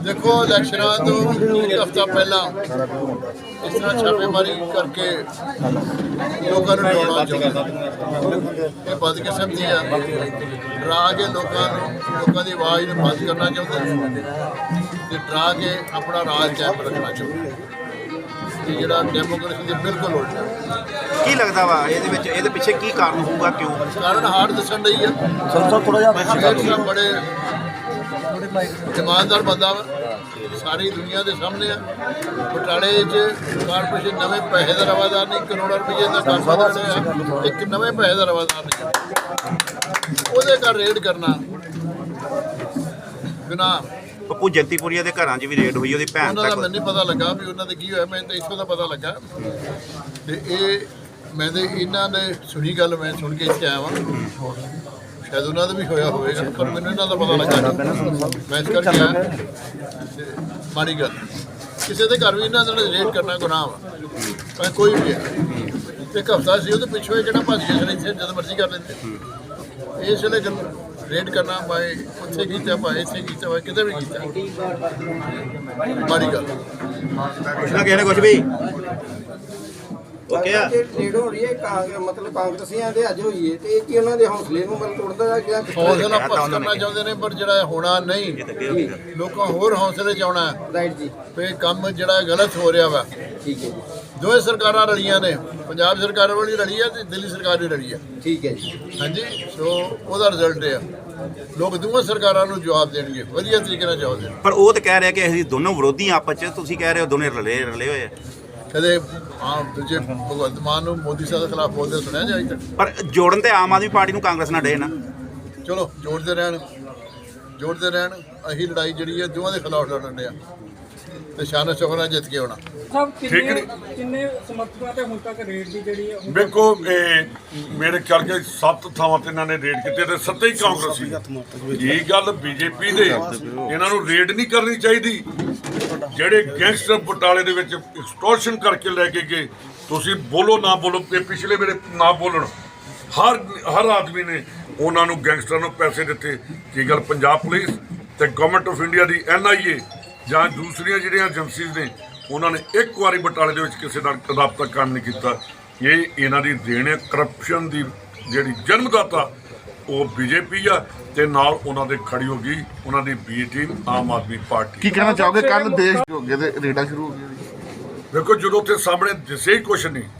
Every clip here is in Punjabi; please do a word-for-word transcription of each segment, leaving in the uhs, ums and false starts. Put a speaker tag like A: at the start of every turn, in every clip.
A: देखो इलैक्शनां तो एक हफ्ता पहला इस तरह छापेमारी करके लोगों को डराउना चाहते ये बदकिस्मती है डरा के लोगों लोगों की आवाज़ में बंद करना चाहते डरा के अपना राज कायम रखना चाहते जोड़ा डेमोक्रेसी के बिल्कुल उल्टा
B: की लगता वा ये पिछे की कारण होगा क्यों
A: कारण हार दसन रही है बड़े ईमानदार बंदा सारी दुनिया के सामने है बटाले कारपोरेशन नवे पैसे का रवादार नहीं करोड़ों रुपये का कारपोरेशन एक नवे पैसे का रवादार नहीं वो घर रेड करना बिना
B: पप्पू जंतीपुरिया के घर भी रेड हुई भैन
A: उन्होंने मैंने नहीं पता लगा भी उन्होंने की होया मैं तो इतों का पता लगा तो ये मैं तो इन्होंने सुनी गल मैं सुन के इतने आया वहाँ शायद उन्होंने भी होया होगा पर मैंने इन्हों का पता लगा मैं इस करके आया माड़ी गल किसी के घर भी इन्होंने रेड करना गुनाह वा कोई भी है एक हफ्ता से वो पिछों जो भज गए इतने जद मर्जी कर लेंगे इस वे रेड करना भाई उत्थे किया भाई इतने किया भाई कितने भी किया माड़ी गल
B: कुछ ना कहने कुछ भी
C: रेड हो रही है मतलब कांग्रेसियां दे अज हुई है ते एक ही उन्हां दे हौसले नूं मतलब तोड़दा है कि
A: हौसला पस्त करना चाहते हैं पर जो होना नहीं लोगों होर हौसले च आउणा
C: राइट जी
A: पे काम जो गलत हो रहा वा
C: ठीक है जी
A: दोवें सरकारां रलियां ने पंजाब सरकार वाली रली है ते दिल्ली सरकार भी रली है
C: ठीक है जी
A: हाँ जी सो ਉਹਦਾ रिजल्ट है लोग दोवें सरकारां नूं जवाब देणगे वधिया तरीके नाल जवाब देणगे
B: पर वो तो कह रहे कि ਅਸੀਂ ਦੋਨੋਂ ਵਿਰੋਧੀ ਆਪਸ ਚ ਤੁਸੀਂ ਕਹਿ ਰਹੇ ਹੋ ਦੋਨੇ ਰਲੇ ਰਲੇ ਹੋਏ ਆ
A: ਕਦੇ ਆਮ ਦੂਜੇ ਭਗਵੰਤ ਮਾਨ ਨੂੰ ਮੋਦੀ ਸਾਹਿਬ ਦੇ ਖਿਲਾਫ ਬੋਲਦੇ ਸੁਣਿਆ ਜਾਈ ਤੱਕ
B: ਪਰ ਜੋੜਨ ਤੇ ਆਮ ਆਦਮੀ ਪਾਰਟੀ ਨੂੰ ਕਾਂਗਰਸ ਨਾਲ ਡੇ ਨਾ
A: ਚਲੋ ਜੋੜਦੇ ਰਹਿਣ ਜੋੜਦੇ ਰਹਿਣ ਅਸੀਂ ਲੜਾਈ ਜਿਹੜੀ ਹੈ ਦੋਵਾਂ ਦੇ ਖਿਲਾਫ ਲੜਨ ਡਿਆ ਤੇ ਸ਼ਾਨ ਸ਼ੌਕਤ ਨਾਲ ਜਿੱਤ ਕੇ ਆਉਣਾ
D: ਸਭ ਕਿੰਨੇ ਕਿੰਨੇ ਸਮਰਥਕਾਂ ਤੇ ਹੁਣ ਤੱਕ ਰੇਟ ਦੀ ਜਿਹੜੀ ਹੈ
E: ਵੇਖੋ ਮੇਰੇ ਖਿਆਲ ਕੇ ਸੱਤ ਥਾਵਾਂ ਤੇ ਇਹਨਾਂ ਨੇ ਰੇਡ ਕੀਤੇ ਤੇ ਸੱਤੇ ਹੀ ਕਾਂਗਰਸੀ ਇਹ ਗੱਲ ਬੀਜੇਪੀ ਦੇ ਇਹਨਾਂ ਨੂੰ ਰੇਡ ਨਹੀਂ ਕਰਨੀ ਚਾਹੀਦੀ ਜਿਹੜੇ ਗੈਂਗਸਟਰ ਬਟਾਲੇ ਦੇ ਵਿੱਚ ਐਕਸਟੋਰਸ਼ਨ ਕਰਕੇ ਲੈ ਕੇ ਗਏ ਤੁਸੀਂ ਬੋਲੋ ਨਾ ਬੋਲੋ ਪਿਛਲੇ ਮੇਰੇ ਨਾ ਬੋਲਣ ਹਰ ਹਰ ਆਦਮੀ ਨੇ ਉਹਨਾਂ ਨੂੰ ਗੈਂਗਸਟਰਾਂ ਨੂੰ ਪੈਸੇ ਦਿੱਤੇ ਕੀ ਗੱਲ ਪੰਜਾਬ ਪੁਲਿਸ ਤੇ ਗਵਰਨਮੈਂਟ ਆਫ ਇੰਡੀਆ ਦੀ ਐਨ ਆਈ ਏ ਜਾਂ ਦੂਸਰੀਆਂ ਜਿਹੜੀਆਂ ਏਜੰਸੀਜ਼ ਨੇ ਉਹਨਾਂ ਨੇ ਇੱਕ ਵਾਰੀ ਬਟਾਲੇ ਦੇ ਵਿੱਚ ਕਿਸੇ ਨਾਲ ਰਾਬਤਾ ਕਾਇਮ ਨਹੀਂ ਕੀਤਾ ਇਹ ਇਹਨਾਂ ਦੀ ਦੇਣ ਹੈ ਕਰਪਸ਼ਨ ਦੀ ਜਿਹੜੀ ਜਨਮਦਾਤਾ ਉਹ ਬੀਜੇਪੀ ਆ ਤੇ ਨਾਲ ਉਹਨਾਂ ਦੇ ਖੜੀ ਹੋ ਗਈ ਉਹਨਾਂ ਦੀ ਬੀ ਟੀਮ ਆਮ ਆਦਮੀ ਪਾਰਟੀ
F: ਕੀ ਕਹਿਣਾ ਚਾਹੋਗੇ ਕੱਲ ਦੇਸ਼ ਹੋ ਗਏ ਤੇ ਰੇਡਾਂ ਸ਼ੁਰੂ ਹੋ ਗਈਆਂ
E: ਵੇਖੋ ਜਦੋਂ ਉੱਥੇ ਸਾਹਮਣੇ ਦਿਸੇ ਹੀ ਕੁਛ ਨਹੀਂ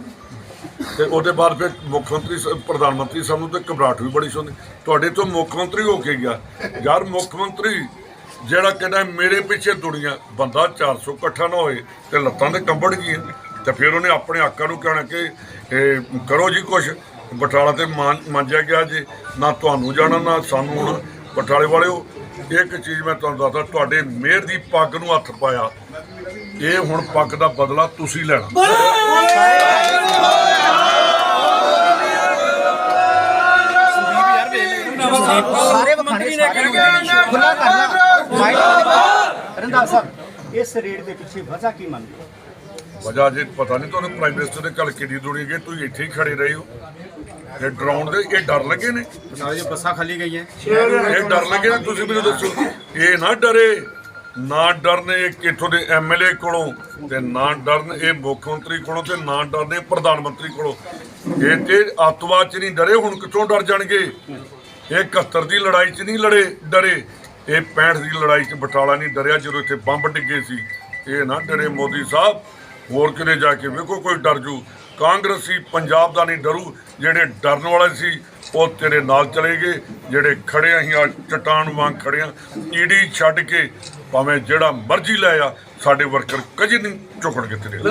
E: ਤੇ ਉਹਦੇ ਬਾਅਦ ਫਿਰ ਮੁੱਖ ਮੰਤਰੀ ਪ੍ਰਧਾਨ ਮੰਤਰੀ ਸਾਹਿਬ ਨੂੰ ਤੇ ਘਬਰਾਹਟ ਵੀ ਬੜੀ ਸੁਣਦੀ ਤੁਹਾਡੇ ਤੋਂ ਮੁੱਖ ਮੰਤਰੀ ਹੋ ਕੇ ਗਿਆ ਯਾਰ ਮੁੱਖ ਮੰਤਰੀ ਜਿਹੜਾ ਕਹਿੰਦਾ ਮੇਰੇ ਪਿੱਛੇ ਦੁਨੀਆ ਬੰਦਾ ਚਾਰ ਸੌ ਇਕੱਠਾ ਨਾ ਹੋਏ ਤੇ ਲੱਤਾਂ ਤੇ ਕੰਬੜ ਗਈਆਂ ਤੇ ਫਿਰ ਉਹਨੇ ਆਪਣੇ ਆਕਾਂ ਨੂੰ ਕਹਿਣਾ ਕਿ ਇਹ ਕਰੋ ਜੀ ਕੁਛ ਬਟਾਲਾ ਤੇ ਮੰਜਿਆ ਗਿਆ ਜੀ ਨਾ ਤੁਹਾਨੂੰ ਜਾਣਾ ਨਾ ਸਾਨੂੰ ਹੁਣ ਬਟਾਲੇ ਵਾਲਿਓ ਇੱਕ ਚੀਜ਼ ਮੈਂ ਤੁਹਾਨੂੰ ਦੱਸਦਾ ਤੁਹਾਡੇ ਮਿਹਰ ਦੀ ਪੱਗ ਨੂੰ ਹੱਥ ਪਾਇਆ ਇਹ ਹੁਣ ਪੱਗ ਦਾ ਬਦਲਾ ਤੁਸੀਂ ਲੈਣਾ
G: ਸਾਰੇ ਮੰਤਰੀ ਨੇ ਖੁੱਲਾ ਕਰਨਾ ਰੰਧਾਵਾ ਸਾਹਿਬ ਇਸ ਰੇਟ ਦੇ ਪਿੱਛੇ ਵਜ੍ਹਾ ਕੀ ਮੰਨਦੇ
E: ਵਜ੍ਹਾ ਜੇ ਪਤਾ ਨਹੀਂ ਤੁਹਾਨੂੰ ਪ੍ਰਾਈਮ ਮਿਨਿਸਟਰ ਦੇ ਘਰ ਕਿੰਨੀ ਦੁਨੀਆ ਗਈ ਤੁਸੀਂ ਇੱਥੇ ਹੀ ਖੜੇ ਰਹੇ ਹੋ ਇਹ ਡਰਾਉਣ ਦੇ ਇਹ ਡਰ ਲੱਗੇ ਨੇ
B: ਬੱਸਾਂ ਖਾਲੀ ਗਈਆਂ
E: ਇਹ ਡਰ ਲੱਗੇ ਨੇ ਤੁਸੀਂ ਮੈਨੂੰ ਦੱਸੋ ਇਹ ਨਾ ਡਰੇ ਨਾ ਡਰਨੇ ਇੱਥੋਂ ਦੇ ਐਮ ਐਲ ਏ ਕੋਲੋਂ ਤੇ ਨਾ ਡਰਨ ਇਹ ਮੁੱਖ ਮੰਤਰੀ ਕੋਲੋਂ ਤੇ ਨਾ ਡਰਨੇ ਪ੍ਰਧਾਨ ਮੰਤਰੀ ਕੋਲੋਂ ਇਹ ਤੇ ਅੱਤਵਾਦ 'ਚ ਨਹੀਂ ਡਰੇ ਹੁਣ ਕਿੱਥੋਂ ਡਰ ਜਾਣਗੇ ਇਹ ਇਕਹੱਤਰ ਦੀ ਲੜਾਈ 'ਚ ਨਹੀਂ ਲੜੇ ਡਰੇ ਇਹ ਪੈਂਹਠ ਦੀ ਲੜਾਈ 'ਚ ਬਟਾਲਾ ਨਹੀਂ ਡਰਿਆ ਜਦੋਂ ਇੱਥੇ ਬੰਬ ਡਿੱਗੇ ਸੀ ਇਹ ਨਾ ਡਰੇ ਮੋਦੀ ਸਾਹਿਬ ਹੋਰ ਕਿਤੇ ਜਾ ਕੇ ਵੇਖੋ ਕੋਈ ਡਰ ਜੂ ਕਾਂਗਰਸੀ ਪੰਜਾਬ ਦਾ ਨਹੀਂ ਡਰੂ ਜਿਹੜੇ ਡਰਨ ਵਾਲੇ ਸੀ ਉਹ ਤੇਰੇ ਨਾਲ ਚਲੇ ਗਏ ਜਿਹੜੇ ਖੜੇ ਅਸੀਂ ਆ ਚਟਾਨ ਵਾਂਗ ਖੜੇ ਆ ਈਡੀ ਛੱਡ ਕੇ ਭਾਵੇਂ ਜਿਹੜਾ ਮਰਜ਼ੀ ਲੈ ਆ ਸਾਡੇ ਵਰਕਰ ਕਦੇ ਨਹੀਂ ਝੁਕਣਗੇ ਤੇਰੇ